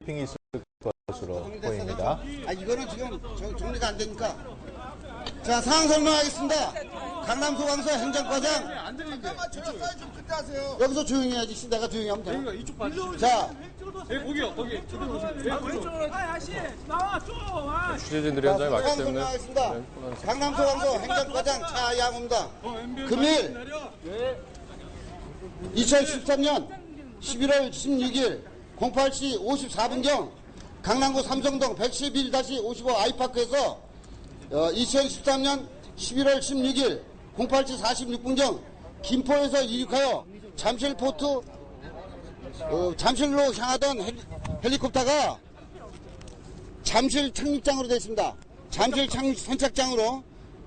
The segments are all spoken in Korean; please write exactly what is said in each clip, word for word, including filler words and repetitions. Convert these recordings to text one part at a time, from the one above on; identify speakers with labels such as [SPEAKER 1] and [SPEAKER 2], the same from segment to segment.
[SPEAKER 1] 핑이 있을 것으로 보입니다.
[SPEAKER 2] 아, 이거는 지금 정, 정리가 안 되니까. 자, 상황 설명하겠습니다. 강남소방서 행정과장.
[SPEAKER 3] 안 되는데. 찍었어요. 좀 그때 하세요.
[SPEAKER 2] 여기서 조용히 해야지. 내가 조용히 하면 돼.
[SPEAKER 3] 여기가 이쪽 봐주세요.
[SPEAKER 2] 자,
[SPEAKER 3] 예, 거기요. 거기. 저쪽으로 오세요. 예, 그쪽으로.
[SPEAKER 4] 아, 아씨, 나와, 좀. 아.
[SPEAKER 1] 취재진들이 현장에
[SPEAKER 2] 상황
[SPEAKER 1] 왔기 때문에
[SPEAKER 2] 설명하겠습니다.
[SPEAKER 1] 네, 혼란스럽습니다.
[SPEAKER 2] 강남소방서 행정과장 차양호입니다. 금일 이천십삼 년 십일월 십육일 공팔 시 오십사 분경 강남구 삼성동 백십일 오십오 아이파크에서 어, 이천십삼 년 십일월 십육일 공팔 시 사십육 분경 김포에서 이륙하여 잠실포트 어, 잠실로 향하던 헬리, 헬리콥터가 잠실 착륙장으로 되어 있습니다. 잠실 착륙 선착장으로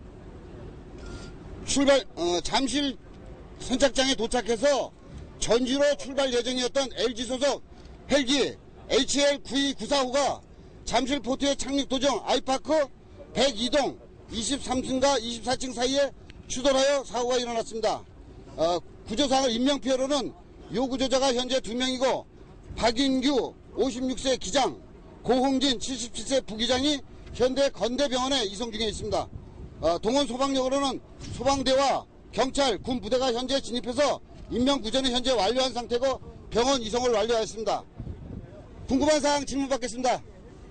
[SPEAKER 2] 출발 어, 잠실 선착장에 도착해서 전주로 출발 예정이었던 엘지 소속 헬기 에이치엘 구이구사호가 잠실 포트의 착륙 도중 아이파크 백이 동 이십삼 층과 이십사 층 사이에 추돌하여 사고가 일어났습니다. 어, 구조상을 인명피해로는 요구조자가 현재 두 명이고 박인규 오십육 세 기장, 고홍진 칠십칠 세 부기장이 현대 건대병원에 이송 중에 있습니다. 어, 동원 소방역으로는 소방대와 경찰, 군 부대가 현재 진입해서 인명구조는 현재 완료한 상태고 병원 이송을 완료하였습니다. 궁금한 사항 질문 받겠습니다.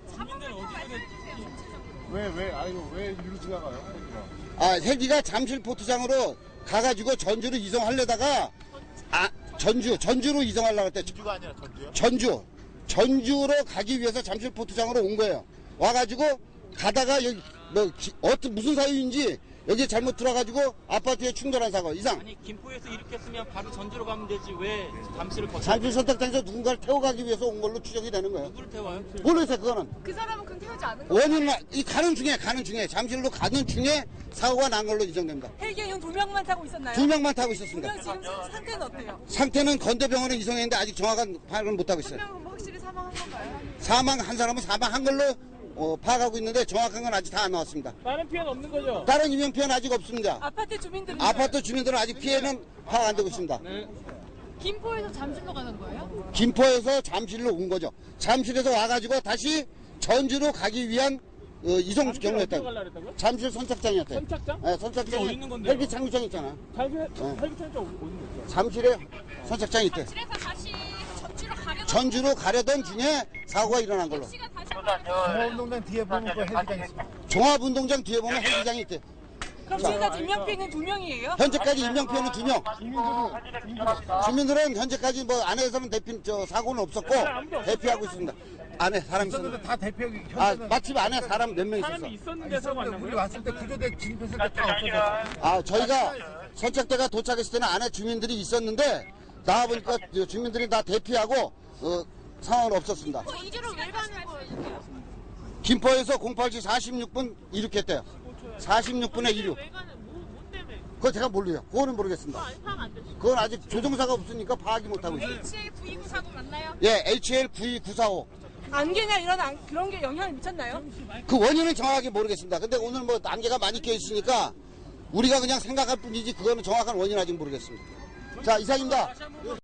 [SPEAKER 3] 왜, 왜, 아이고, 왜 이리로 지나가요?
[SPEAKER 2] 아, 헬기가 잠실 포트장으로 가가지고 전주로 이송하려다가 아, 전주, 전주로 이송하려고 했대.
[SPEAKER 3] 전주가 아니라 전주요?
[SPEAKER 2] 전주. 전주로 가기 위해서 잠실 포트장으로 온 거예요. 와가지고 가다가 여기 뭐 기, 어떤 무슨 사유인지 여기 잘못 들어가지고 아파트에 충돌한 사고 이상.
[SPEAKER 5] 아니 김포에서 이륙했으면 바로 전주로 가면 되지 왜 잠실을 거쳐?
[SPEAKER 2] 잠실 선착장에서 누군가를 태워가기 위해서 온 걸로 추정이 되는 거예요.
[SPEAKER 5] 누구를 태워요?
[SPEAKER 2] 모르겠어요 그거는.
[SPEAKER 6] 그 사람은 그럼 태우지 않은 거예요?
[SPEAKER 2] 원인은 이 가는 중에 가는 중에 잠실로 가는 중에 사고가 난 걸로 이정됩니다.
[SPEAKER 6] 헬기에 두 명만 타고 있었나요?
[SPEAKER 2] 두 명만 타고
[SPEAKER 6] 두
[SPEAKER 2] 있었습니다.
[SPEAKER 6] 명 지금 상태는 어때요?
[SPEAKER 2] 상태는 건대병원에 이송했는데 아직 정확한 파악을 못하고
[SPEAKER 6] 한
[SPEAKER 2] 있어요.
[SPEAKER 6] 명은 뭐 확실히 사망한 건가요?
[SPEAKER 2] 사망한 사람은 사망한 걸로 어, 파악하고 있는데 정확한 건 아직 다 안 나왔습니다.
[SPEAKER 4] 다른 피해는 없는 거죠?
[SPEAKER 2] 다른 인명 피해는 아직 없습니다.
[SPEAKER 6] 아파트 주민들은
[SPEAKER 2] 아파트 주민들은 아직 피해는 파악 안 되고 있습니다.
[SPEAKER 6] 김포에서 잠실로 가는 거예요?
[SPEAKER 2] 김포에서 잠실로 온 거죠. 잠실에서 와가지고 다시 전주로 가기 위한 어, 이송
[SPEAKER 4] 어디로
[SPEAKER 2] 경로였다.
[SPEAKER 4] 가려고 그랬다고요?
[SPEAKER 2] 잠실 선착장이었대요.
[SPEAKER 4] 선착장?
[SPEAKER 2] 네, 선착장에
[SPEAKER 5] 어디 있는 건데요?
[SPEAKER 2] 헬기 착륙장 있잖아.
[SPEAKER 4] 잠실 헬기 탈장 어디 있는 거죠?
[SPEAKER 2] 잠실에 선착장이 있대.
[SPEAKER 6] 잠실에서 다시 전주로 가려던
[SPEAKER 2] 전주로 가려던 중에 사고가 일어난 걸로.
[SPEAKER 6] 시가 다시
[SPEAKER 3] 종합운동장 뒤에 보면 그 헬기장 있습니다.
[SPEAKER 2] 종합운동장 뒤에 보면 헬기장이 있대.
[SPEAKER 6] 그럼 지금까지 인명피해는 두 명이에요?
[SPEAKER 2] 현재까지 인명피해는 두 명. 주민들은 현재까지 뭐 안에서는 대피 저 사고는 없었고 대피하고 있습니다. 안에 사람 있었는데
[SPEAKER 3] 있었는데 다 대표
[SPEAKER 2] 아
[SPEAKER 3] 현장은
[SPEAKER 2] 마침 안에 사람 몇 명 있었어.
[SPEAKER 4] 사람이 있었는데 사고 안 난
[SPEAKER 3] 우리
[SPEAKER 4] 거예요?
[SPEAKER 3] 왔을 때 구조대 진입했을 때 다 없어졌어.
[SPEAKER 2] 아 저희가 선착대가 도착했을 때는 안에 주민들이 있었는데 나와 보니까 주민들이 다 대피하고 어, 상황은 없었습니다.
[SPEAKER 6] 이주로 왜 가는 거예요?
[SPEAKER 2] 김포에서 공팔 시 사십육 분 이륙했대요. 사십육 분에 이륙.
[SPEAKER 6] 왜 가는 뭐, 뭐 때문에?
[SPEAKER 2] 그거 제가 모르요. 그거는 모르겠습니다.
[SPEAKER 6] 파악 안 되시죠?
[SPEAKER 2] 그건 아직 조정사가 없으니까 파악이 못하고 있어요.
[SPEAKER 6] 에이치엘 구이구 사고 맞나요?
[SPEAKER 2] 예, 에이치엘 구이구사오.
[SPEAKER 6] 안개나 이런 안, 그런 게 영향을 미쳤나요?
[SPEAKER 2] 그 원인은 정확하게 모르겠습니다. 근데 오늘 뭐 안개가 많이 껴 있으니까 우리가 그냥 생각할 뿐이지 그거는 정확한 원인 아직 모르겠습니다. 자, 이상입니다.